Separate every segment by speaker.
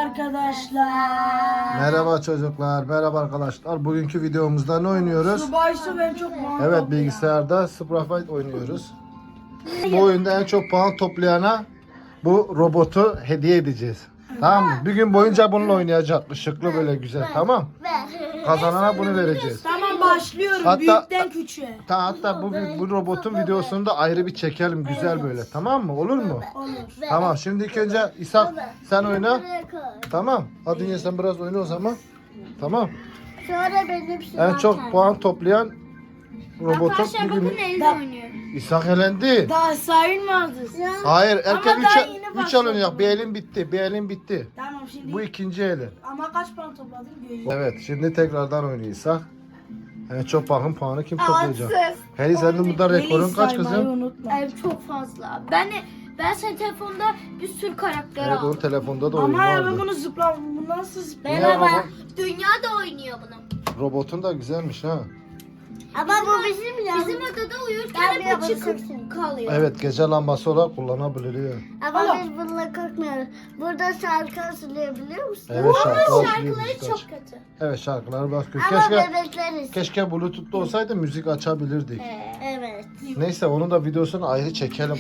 Speaker 1: arkadaşlar.
Speaker 2: Merhaba çocuklar, merhaba arkadaşlar. Bugünkü videomuzda ne oynuyoruz?
Speaker 1: Subway'sı ben çok
Speaker 2: Evet, bilgisayarda Sprite oynuyoruz. Bu oyunda en çok puan toplayana bu robotu hediye edeceğiz. Tamam mı? Bir gün boyunca bununla oynayacak. Işıklı böyle güzel, tamam. Kazanana bunu vereceğiz.
Speaker 1: Tamam, başlıyorum.
Speaker 2: Hatta-
Speaker 1: Büyükten küçüğe.
Speaker 2: Hatta bu robotun videosunu da ayrı bir çekelim güzel böyle. Tamam mı? Olur mu?
Speaker 1: Olur.
Speaker 2: Tamam. Şimdi ilk önce İshak sen oyna. Tamam. Hadi yine sen biraz oyna o zaman. Tamam.
Speaker 3: Sonra benim
Speaker 2: En çok puan toplayan robotu
Speaker 3: Arkadaşlar bakın
Speaker 2: bugün
Speaker 3: elde oynuyor.
Speaker 2: İshak elendi.
Speaker 1: Daha sayılmazdı.
Speaker 2: Hayır, erken
Speaker 1: Ama daha yeni
Speaker 2: 3
Speaker 1: başladım.
Speaker 2: alınacak. Bir elin bitti. Bir elin bitti.
Speaker 1: Tamam şimdi.
Speaker 2: Bu ikinci eli.
Speaker 1: Ama kaç puan topladın? Göreceğiz.
Speaker 2: Evet, şimdi tekrardan oynuyor İshak. En çok bakın puanı kim toplayacak? Heli senin burada rekorun kaç
Speaker 1: saymayı
Speaker 2: kızım?
Speaker 1: unutma.
Speaker 3: Çok fazla. Ben senin telefonda bir sürü karakter
Speaker 2: Evet,
Speaker 3: aldım.
Speaker 2: onun telefonda da oyun
Speaker 1: Ama ya ben
Speaker 2: vardı.
Speaker 1: bunu zıplam. Bu nasıl zıplam?
Speaker 2: Niye ama
Speaker 3: Dünya da oynuyor bunu.
Speaker 2: robotun da güzelmiş ha.
Speaker 3: Ama bu bizim ya. Bizim odada uyurken bu çıkıp kalıyor.
Speaker 2: Evet, gece lambası olarak kullanabiliyor.
Speaker 3: Ama biz bununla korkmuyoruz. Burada şarkı söyleyebiliyor musun?
Speaker 2: Evet, şarkılar
Speaker 3: Şarkıları çok kötü.
Speaker 2: Evet, şarkıları bak.
Speaker 3: Ama
Speaker 2: Keşke
Speaker 3: bebekleriz.
Speaker 2: keşke Bluetooth'ta olsaydı müzik açabilirdik.
Speaker 3: Evet.
Speaker 2: Neyse, onun da videosunu ayrı çekelim.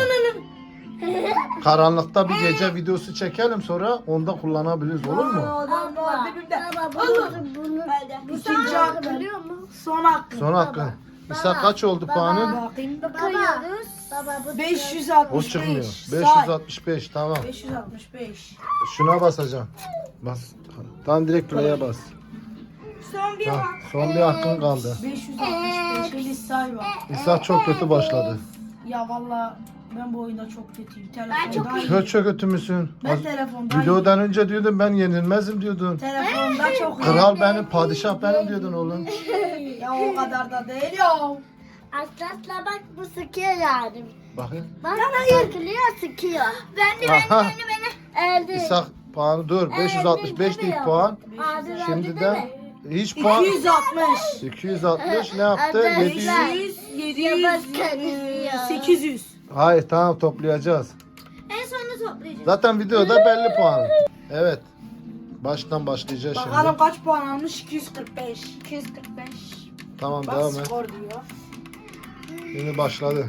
Speaker 2: Karanlıkta bir gece videosu çekelim, sonra onda kullanabiliriz, olur mu?
Speaker 1: Adam var dibimde.
Speaker 3: Baba bunu
Speaker 1: İkinci hakkı.
Speaker 3: biliyor mu?
Speaker 1: Son hakkı.
Speaker 2: Son hakkın. İshak kaç oldu puanın?
Speaker 1: Bakayım.
Speaker 3: Bakıyoruz. Baba bu
Speaker 1: 565.
Speaker 2: O çıkmıyor.
Speaker 1: Say.
Speaker 2: 565, tamam.
Speaker 1: 565.
Speaker 2: Şuna basacağım. Bas. Tam direkt play'e bas.
Speaker 1: Son bir
Speaker 2: Tamam.
Speaker 1: hak.
Speaker 2: Son bir hakkın kaldı.
Speaker 1: 565. Eli say var.
Speaker 2: İshak çok kötü başladı.
Speaker 1: Ya valla ben bu oyunda çok kötüyüm.
Speaker 3: Ben çok
Speaker 1: Telefonda
Speaker 2: Çok kötü müsün?
Speaker 1: Ben telefonda
Speaker 2: Videodan önce diyordun ben yenilmezim diyordun.
Speaker 1: Telefonda çok
Speaker 2: Kral benim, padişah benim diyordun oğlum.
Speaker 1: Ya o kadar da değil ya.
Speaker 3: Aslasla bak bu sıkıyor yani.
Speaker 2: Bakın.
Speaker 3: Bak sıkılıyor sıkıyor.
Speaker 2: Aha.
Speaker 3: Elde.
Speaker 2: İshak puanı dur. 565 değil puan. Şimdiden hiç puan.
Speaker 1: 260.
Speaker 2: 260 ne yaptı?
Speaker 3: Hadi.
Speaker 2: 700.
Speaker 1: 700,
Speaker 3: Ya
Speaker 1: 800.
Speaker 2: Hayır, tamam, toplayacağız.
Speaker 3: En sonunda toplayacağız.
Speaker 2: Zaten videoda belli puan. Evet. Baştan başlayacağız
Speaker 1: Bakalım
Speaker 2: şimdi.
Speaker 1: kaç puan almış? 245.
Speaker 3: 245.
Speaker 2: Tamam,
Speaker 1: Bak
Speaker 2: devam et.
Speaker 1: skor diyor.
Speaker 2: Şimdi başladı.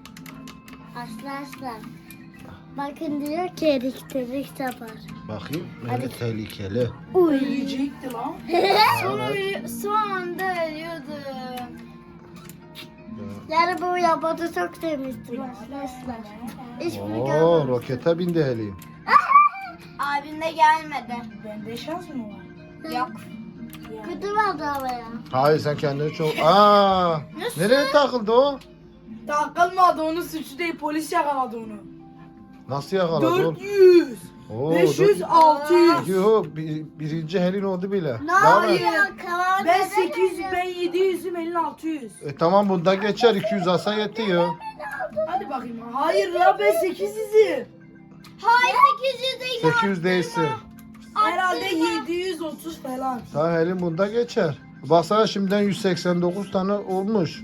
Speaker 3: Arkadaşlar. Bakın diyor ki elektrik yapar.
Speaker 2: Bakayım. Evet, tehlikeli.
Speaker 1: Ölecekti lan.
Speaker 3: Son anda ölüyordum. Yani bu yabancı çok sevmiştim arkadaşlar. Hiçbiri
Speaker 2: Oo,
Speaker 3: görmedim.
Speaker 2: rokete bindi Heli.
Speaker 3: Abim de gelmedi.
Speaker 1: Bende şans mı var?
Speaker 3: Yok. Kötü vardı havaya.
Speaker 2: Hayır, sen kendini çok... Aa, nereye takıldı o?
Speaker 1: Takılmadı, onun suçu değil, polis yakaladı onu.
Speaker 2: Nasıl yakaladı oğlum?
Speaker 1: 400.
Speaker 2: Oo,
Speaker 1: 500, 600.
Speaker 2: Yo, birinci Helin oldu bile.
Speaker 3: Ne
Speaker 2: Daha
Speaker 3: oluyor?
Speaker 2: ne?
Speaker 3: Kalan
Speaker 1: Ben 800, ben 700'üm, elin 600.
Speaker 2: Tamam, bunda geçer. 200 alsa yetiyor.
Speaker 1: Hadi bakayım. Hayır la, ben 800'üm.
Speaker 3: Hayır 800 değil.
Speaker 2: 800 değilsin.
Speaker 1: Herhalde 730 falan.
Speaker 2: Tamam, Helin bunda geçer. Baksana, şimdiden 189 tane olmuş.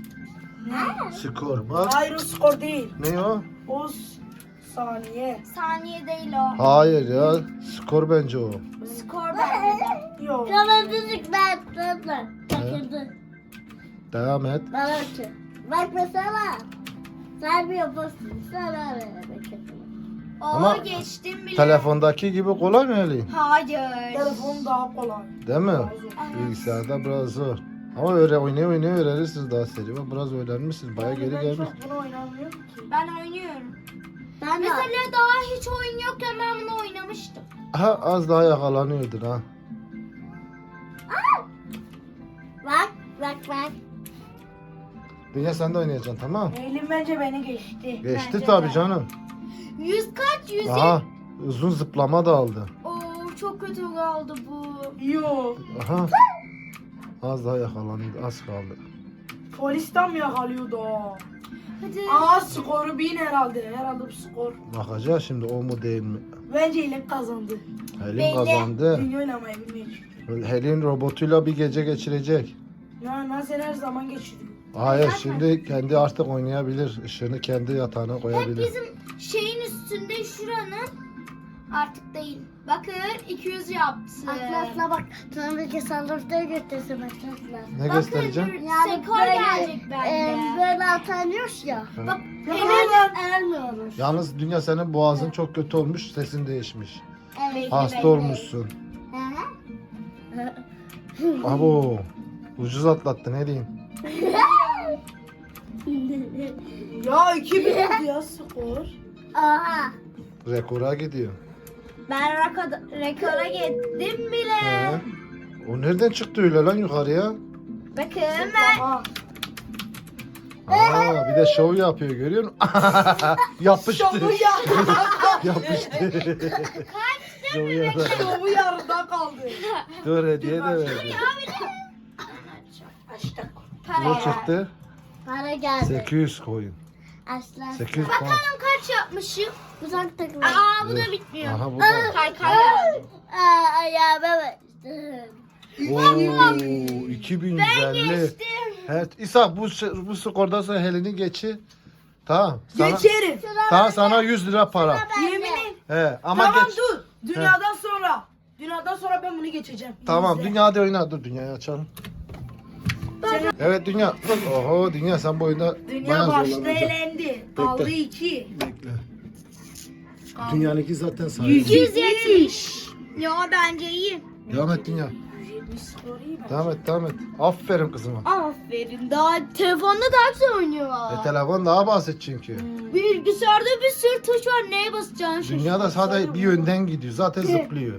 Speaker 2: Skor bak.
Speaker 1: Hayır, o skor değil.
Speaker 2: Ne o?
Speaker 1: O saniye.
Speaker 3: Saniye değil o.
Speaker 2: Hayır ya. Skor bence o.
Speaker 3: Skor bende de.
Speaker 1: Yok.
Speaker 3: Kaladıcık ben tatlı. Takıldı.
Speaker 2: Devam et.
Speaker 3: Bana ki. Bak mesela. Sen bir yapasın. Sana vermek
Speaker 2: Ama
Speaker 3: geçtim bile.
Speaker 2: Telefondaki gibi kolay mı Helin?
Speaker 3: Hayır.
Speaker 1: Telefon daha kolay.
Speaker 2: Değil mi?
Speaker 1: Daha zor.
Speaker 2: Bilgisayarda biraz zor. Ama öyle oynaya öğrenirsiniz daha seri. Bak, biraz öğrenmişsiniz. Baya geri
Speaker 1: Ben
Speaker 2: gelmiş.
Speaker 1: çok bunu oynamıyorum ki.
Speaker 3: Ben oynuyorum. Mesela daha hiç oyun yokken ben bunu oynamıştım.
Speaker 2: Ha, az daha yakalanıyordun ha.
Speaker 3: Bak.
Speaker 2: Dünya sen de oynayacaksın, tamam.
Speaker 1: Eylül bence beni geçti.
Speaker 2: Geçti
Speaker 3: Bence
Speaker 2: tabii
Speaker 3: de.
Speaker 2: canım.
Speaker 3: 100 kaç? 100.
Speaker 2: Aha, uzun zıplama da aldı.
Speaker 3: Oo çok kötü kaldı bu.
Speaker 1: Yok.
Speaker 2: Aha. Az daha yakalanıyordu, az kaldı.
Speaker 1: Polisten mi yakalıyordu o?
Speaker 3: Hadi.
Speaker 1: Aa, skoru 1000 herhalde. Herhalde bu skor.
Speaker 2: Bakacağız şimdi, o mu değil mi?
Speaker 1: Bence Eylül kazandı.
Speaker 2: Helin
Speaker 3: Belli.
Speaker 2: kazandı.
Speaker 1: Dünya oynamayı bilmiyor çünkü.
Speaker 2: Helin robotuyla bir gece geçirecek.
Speaker 1: Sen her zaman geçiriyor.
Speaker 2: Hayır, şimdi kendi artık oynayabilir. Işığını kendi yatağına
Speaker 3: Hep
Speaker 2: koyabilir.
Speaker 3: bizim şeyin üstünde şuranın
Speaker 4: Artık değil. Bakın 200 yaptı.
Speaker 3: Atlas'la bak. Sonraki sandıkta götürsün Atlas'la.
Speaker 2: Ne göstereceğim?
Speaker 4: Skor gelecek bence.
Speaker 3: Böyle atanıyoruz ya.
Speaker 4: Bak
Speaker 3: Hemen ermiyoruz.
Speaker 2: Yalnız Dünya senin boğazın çok kötü olmuş, sesin değişmiş.
Speaker 3: Evet.
Speaker 2: Hasta olmuşsun. Abo. Ucuz atlattı ne diyeyim.
Speaker 1: Ya 2000 oldu ya skor.
Speaker 3: Aha.
Speaker 2: Rekora gidiyor.
Speaker 4: ben rekora gittim bile.
Speaker 2: He. O nereden çıktı öyle lan yukarıya?
Speaker 4: Bakın ben
Speaker 1: Aha.
Speaker 2: Aa, bir de şov yapıyor görüyor musun? Yapıştı.
Speaker 1: Şovu yarıda kaldı.
Speaker 2: Yapıştı. Şov yapıyor.
Speaker 1: Şovu yarıda kaldı.
Speaker 2: Dur hediye de verdi. Ne
Speaker 4: para.
Speaker 2: çıktı?
Speaker 3: Para geldi.
Speaker 2: 800 koyun.
Speaker 3: Aslan.
Speaker 2: 800 puan.
Speaker 4: Bakalım kaç yapmışım.
Speaker 3: Uzak takım.
Speaker 4: Aa bu
Speaker 2: Dur.
Speaker 4: da bitmiyor.
Speaker 2: Aha bu da.
Speaker 4: Kaykay geldi.
Speaker 3: Ayağıma bastım.
Speaker 2: Oo, 2150.
Speaker 4: Geçtim.
Speaker 2: Evet, İsa bu skordan sonra Helen'i geçi. Tamam. Sana,
Speaker 1: Geçerim.
Speaker 2: tamam sana 100 lira para.
Speaker 1: Yemin et.
Speaker 2: He, ama
Speaker 1: Tamam
Speaker 2: geç.
Speaker 1: dur. Dünyadan sonra. Dünyadan sonra ben bunu geçeceğim.
Speaker 2: Tamam,
Speaker 1: İzle.
Speaker 2: dünyada oyna. Dur dünyayı açalım. Evet dünya. Oho dünya sen bu oyunda
Speaker 1: Dünya
Speaker 2: bayağı
Speaker 1: başta
Speaker 2: zorlanacaksın.
Speaker 1: elendi. Kaldı 2.
Speaker 2: Bekle. Dünyanınki zaten sayı.
Speaker 4: 170. Ya bence iyi.
Speaker 2: Devam et dünya.
Speaker 1: 170 skor iyi bak.
Speaker 2: Devam et. Aferin kızıma.
Speaker 4: Aferin. Daha telefonda daha güzel oynuyor.
Speaker 2: Telefon daha basit çünkü.
Speaker 4: Bilgisayarda bir sürü tuş var. Neye basacaksın?
Speaker 2: Dünyada sadece bir yönden gidiyor. Zaten zıplıyor.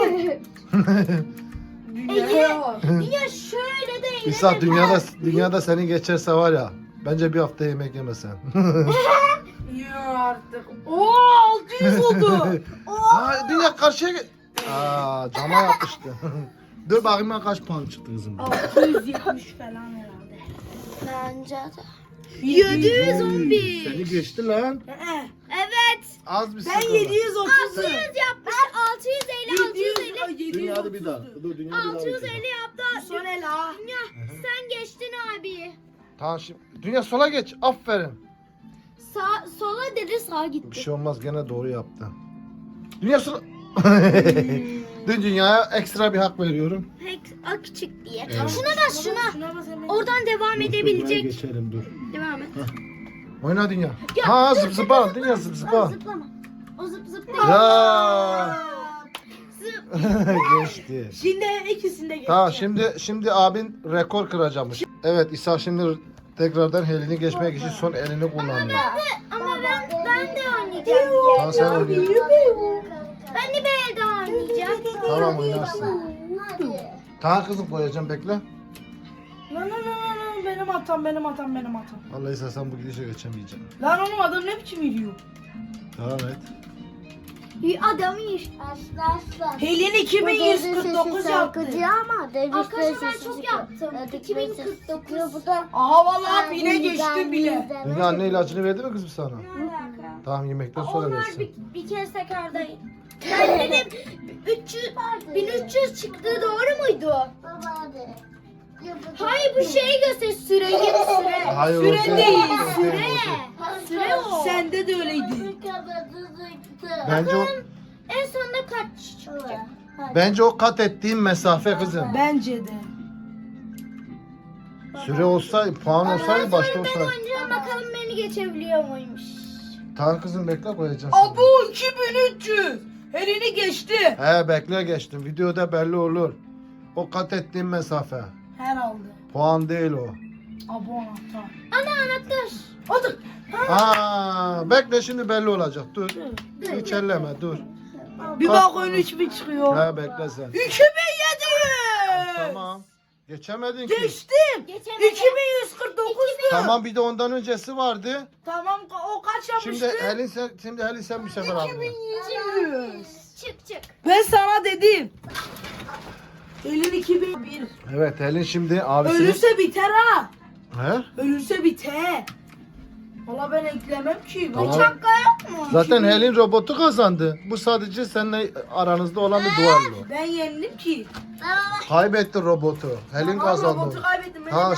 Speaker 1: Dünyaya bak.
Speaker 4: Ya şöyle de
Speaker 2: İsa dünyada seni geçerse var ya. Bence bir hafta yemek yemesen.
Speaker 1: Yok artık. Oo 600 oldu.
Speaker 2: Aa, dünya karşıya gel. Aa, cama yapıştı. Dur bakayım ben kaç puan çıktı kızım.
Speaker 1: 670 falan herhalde.
Speaker 3: Bence de.
Speaker 4: 711.
Speaker 2: Seni geçti lan.
Speaker 4: Evet.
Speaker 2: Az bir
Speaker 1: Ben
Speaker 2: skor.
Speaker 1: 730.
Speaker 4: 600 yapmış. 650 650.
Speaker 2: Dünya hadi bir daha. Dur dünya bir daha.
Speaker 4: 650
Speaker 2: bakayım.
Speaker 4: yaptı.
Speaker 1: Son el ha.
Speaker 4: Dünya sen geçtin abi.
Speaker 2: Tamam şimdi. Dünya sola geç. Aferin.
Speaker 4: Sola dedi sağa
Speaker 2: Bir
Speaker 4: gitti.
Speaker 2: şey olmaz gene doğru yaptı. Dünya sola. Dün dünyaya ekstra bir hak veriyorum.
Speaker 4: Pek küçük diye.
Speaker 2: Evet.
Speaker 4: Şuna bas şuna.
Speaker 1: Şuna bas hemen.
Speaker 4: Oradan devam edebilecek.
Speaker 2: Geçelim dur.
Speaker 4: Devam et.
Speaker 2: Oyna dünya. Ha zıp zıpa. Dünya zıp zıpa.
Speaker 4: Zıplama. O zıp zıp değil.
Speaker 2: Ya.
Speaker 4: Zıp.
Speaker 2: Geçti.
Speaker 1: Şimdi ikisinde geç.
Speaker 2: Tamam şimdi abin rekor kıracakmış. Evet İsa şimdi tekrardan elini geçmek için son elini kullanıyor.
Speaker 4: Ama ben de oynayacağım.
Speaker 2: Tamam sen oynuyorsun.
Speaker 4: Ben de bir elde oynayacağım.
Speaker 2: Tamam oynarsın.
Speaker 3: Hadi.
Speaker 2: Tamam kızım koyacağım bekle.
Speaker 1: Lan benim hatam.
Speaker 2: Vallahi İsa sen bu gidişe geçemeyeceksin.
Speaker 1: Lan oğlum adam ne biçim yürüyor?
Speaker 2: Devam et.
Speaker 4: Adam iyi.
Speaker 3: Aslan.
Speaker 1: Helin 2149 yaptı.
Speaker 3: Ama
Speaker 4: Arkadaşlar ben çok yaptım. 2049.
Speaker 3: Bu da
Speaker 1: Aha vallahi bine geçti bile.
Speaker 2: Dünya anne ilacını verdi mi kızım sana?
Speaker 4: Ne alaka?
Speaker 2: Tamam yemekten sonra
Speaker 4: Onlar
Speaker 2: versin.
Speaker 4: bir kez tekardayım. Ben dedim 1300 çıktı doğru muydu?
Speaker 3: Baba hadi.
Speaker 4: Hayır bu şeyi göster süreyi süre.
Speaker 2: Hayır,
Speaker 1: Süre
Speaker 2: o
Speaker 1: değil,
Speaker 2: o
Speaker 4: Süre.
Speaker 2: o
Speaker 4: Süre o.
Speaker 1: Sende de öyleydi.
Speaker 2: Bence o
Speaker 4: En sonunda kaç çıkacak?
Speaker 2: bence o kat ettiğin mesafe kızım.
Speaker 1: Bence de.
Speaker 2: Süre olsaydı, puan olsaydı başta
Speaker 4: Ben
Speaker 2: olsaydı.
Speaker 4: oynayacağım bakalım beni geçebiliyor muymuş.
Speaker 2: Tamam kızım bekle koyacağım seni.
Speaker 1: Abu 2300. Helini geçti.
Speaker 2: He bekle geçtim. Videoda belli olur. O kat ettiğin mesafe.
Speaker 1: Herhalde.
Speaker 2: Puan değil o.
Speaker 1: Abu anahtar.
Speaker 4: Ana anahtar.
Speaker 1: Hadi.
Speaker 2: Aa, bekle şimdi belli olacak. Dur. Hiç elleme dur.
Speaker 1: Bir bak oyun 3000 çıkıyor.
Speaker 2: He bekle sen.
Speaker 1: 2700.
Speaker 2: Tamam. Geçemedin ki.
Speaker 1: Geçtim.
Speaker 4: Geçemedim.
Speaker 1: 2149.
Speaker 2: Tamam bir de ondan öncesi vardı.
Speaker 1: Tamam o kaç yapmıştı?
Speaker 2: Şimdi Helin sen bir sefer aldın.
Speaker 1: 2100.
Speaker 4: Çık.
Speaker 1: Ben sana dedim. Helin 2001.
Speaker 2: Evet Helin şimdi abisini...
Speaker 1: Ölürse biter ha.
Speaker 2: He?
Speaker 1: Ölürse biter. Valla ben eklemem ki.
Speaker 2: Tamam.
Speaker 1: Şaka yok mu?
Speaker 2: Zaten Helin robotu kazandı. Bu sadece seninle aranızda olan bir duello.
Speaker 1: Ben yendim ki.
Speaker 2: Kaybetti robotu. Helin
Speaker 1: Tamam,
Speaker 2: kazandı.
Speaker 1: robotu kaybettim. Ben
Speaker 2: Ha
Speaker 1: de-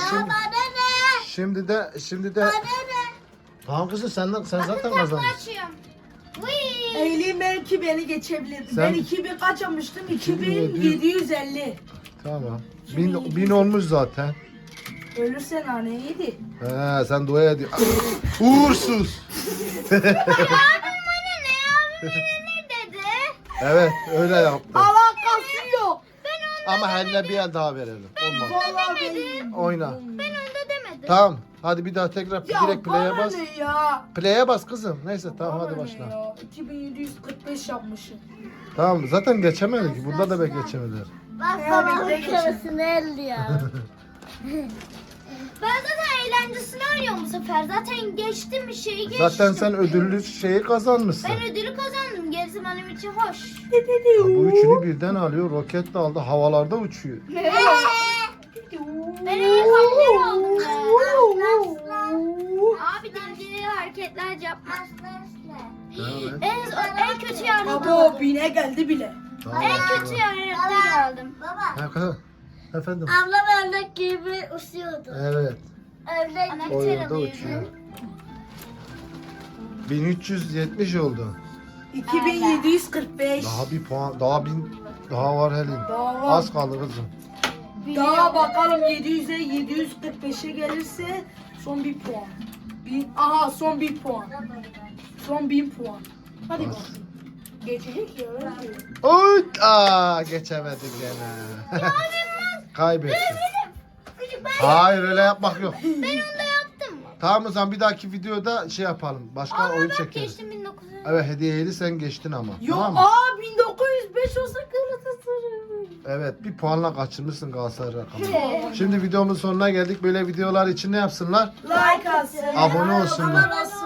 Speaker 2: şimdi de Tamam kızım sen zaten kazandın.
Speaker 4: Açıyorum. Vıy.
Speaker 1: Eylül belki beni geçebilir.
Speaker 2: Sen-
Speaker 1: Ben 2000 kaç almıştım?
Speaker 2: 2750.
Speaker 1: 2750.
Speaker 2: Tamam. 1000 olmuş zaten.
Speaker 1: Ölürsen haneydi.
Speaker 2: He sen dua ediyor. Uğursuz.
Speaker 4: Abim bana ne dedi?
Speaker 2: Evet öyle yaptı.
Speaker 1: Alakası yok.
Speaker 2: Ama Helin'e bir el daha verelim. Olmaz.
Speaker 1: Vallahi benim.
Speaker 2: Oyna.
Speaker 4: Ben onda demedim.
Speaker 2: Tamam. Hadi bir daha tekrar
Speaker 1: Ya
Speaker 2: direkt play'e
Speaker 1: bana
Speaker 2: bas.
Speaker 1: ne ya?
Speaker 2: Play'e bas kızım. Neyse tamam
Speaker 1: Bana
Speaker 2: hadi
Speaker 1: ne
Speaker 2: başla.
Speaker 1: ya? 2745 yapmışım.
Speaker 2: Tamam zaten geçemedik. Burada da geçemediler.
Speaker 3: Bak
Speaker 1: Ya,
Speaker 3: babamın
Speaker 1: bekle,
Speaker 3: karısını elliyor.
Speaker 4: Ben zaten eğlencesini oynuyorum bu sefer. Zaten geçtim bir şeyi geçtim.
Speaker 2: Zaten sen ödüllü şeyi kazanmışsın.
Speaker 4: Ben ödülü kazandım. Gerisi benim için hoş.
Speaker 2: Ya bu üçünü birden alıyor. Roket de aldı. Havalarda uçuyor.
Speaker 4: Ben helikopter aldım ya. Abi dengeli hareketler yapma. En kötü yardım
Speaker 1: Abo
Speaker 4: aldım.
Speaker 1: bine geldi bile.
Speaker 2: Tamam.
Speaker 4: En kötü yardım aldım.
Speaker 3: Baba,
Speaker 2: Ha, kızım. Efendim.
Speaker 3: ablam ördek gibi uçuyordu.
Speaker 2: Evet.
Speaker 3: Ördek
Speaker 4: Ana
Speaker 2: O
Speaker 4: biter
Speaker 2: yolda
Speaker 4: alıyor.
Speaker 2: uçuyor. 1370 oldu.
Speaker 1: 2745.
Speaker 2: Daha bir puan, daha var Helin.
Speaker 1: Daha var.
Speaker 2: Az kaldı kızım.
Speaker 1: Daha bakalım 700'e 745'e gelirse son bir puan. Aha son bir puan. Son 1000 puan. Hadi
Speaker 2: Bas.
Speaker 1: bakalım. Geçecek ya. öyle.
Speaker 2: Oy! Geçemedik gene. Kaybettin. Hayır öyle yapmak yok.
Speaker 4: Ben onda yaptım mı?
Speaker 2: Tamam o zaman bir dahaki videoda şey yapalım. Başka oyun
Speaker 4: Bak
Speaker 2: çekeriz.
Speaker 4: geçtim 1900.
Speaker 2: Evet hediyeli sen geçtin ama.
Speaker 1: Yok
Speaker 2: Tamam mı?
Speaker 1: 1905 olsa Galatasaray.
Speaker 2: Evet bir puanla kaçırmışsın Galatasaray rakamını. Şimdi videomuzun sonuna geldik. Böyle videolar için ne yapsınlar?
Speaker 1: Like atsın.
Speaker 2: Abone olsunlar.